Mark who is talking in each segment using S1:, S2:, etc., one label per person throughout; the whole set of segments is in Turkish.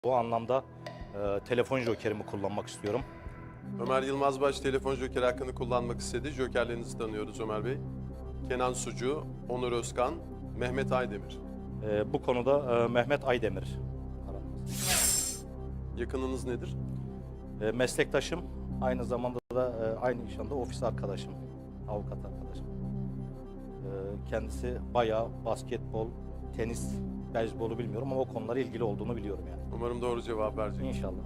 S1: Bu anlamda telefon jokerimi kullanmak istiyorum.
S2: Ömer Yılmazbaş telefon jokeri hakkını kullanmak istedi. Jokerlerinizi tanıyoruz Ömer Bey. Kenan Sucu, Onur Özkan, Mehmet Aydemir.
S1: Bu konuda Mehmet Aydemir.
S2: Yakınınız nedir?
S1: Meslektaşım, aynı zamanda da aynı iş anda ofis arkadaşım, avukat arkadaşım. Kendisi bayağı basketbol, tenis, beyzbolu bilmiyorum ama o konulara ilgili olduğunu biliyorum yani.
S2: Umarım doğru cevap verecek.
S1: İnşallah.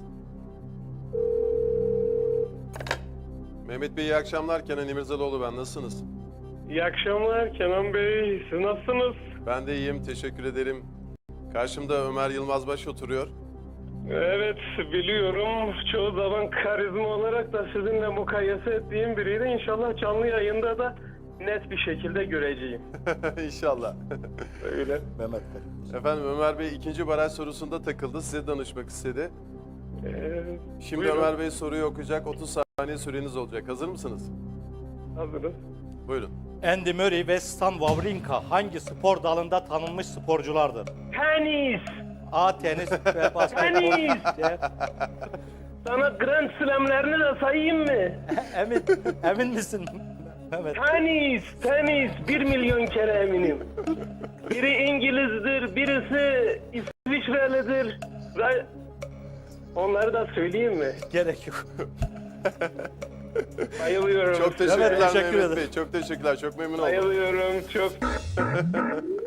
S2: Mehmet Bey iyi akşamlar. Kenan İmirzalıoğlu ben. Nasılsınız?
S3: İyi akşamlar Kenan Bey. Siz nasılsınız?
S2: Ben de iyiyim. Teşekkür ederim. Karşımda Ömer Yılmazbaş oturuyor.
S3: Evet biliyorum. Çoğu zaman karizma olarak da sizinle mukayese ettiğim biriydi. İnşallah canlı yayında da net bir şekilde göreceğim.
S2: İnşallah.
S3: Öyle.
S1: Mehmet Bey.
S2: Efendim Ömer Bey ikinci baraj sorusunda takıldı. Size danışmak istedi. Şimdi
S3: Buyurun.
S2: Ömer Bey soruyu okuyacak. 30 saniye süreniz olacak. Hazır mısınız?
S3: Hazırız.
S2: Buyurun.
S1: Andy Murray ve Stan Wawrinka hangi spor dalında tanınmış sporculardır?
S3: Tenis.
S1: A. Tenis ve basketbol.
S3: Tenis.
S1: C.
S3: Sana Grand Slam'lerini de sayayım mı?
S1: Emin misin Mehmet?
S3: Tenis. 1 milyon kere eminim. Biri İngiliz'dir, birisi İsviçrelidir. Ve onları da söyleyeyim mi?
S1: Gerek yok.
S3: Bayılıyorum.
S2: Çok teşekkürler
S1: teşekkür
S2: Mehmet
S1: ederim.
S2: Bey. Çok teşekkürler. Çok memnun oldum.
S3: Bayılıyorum çok.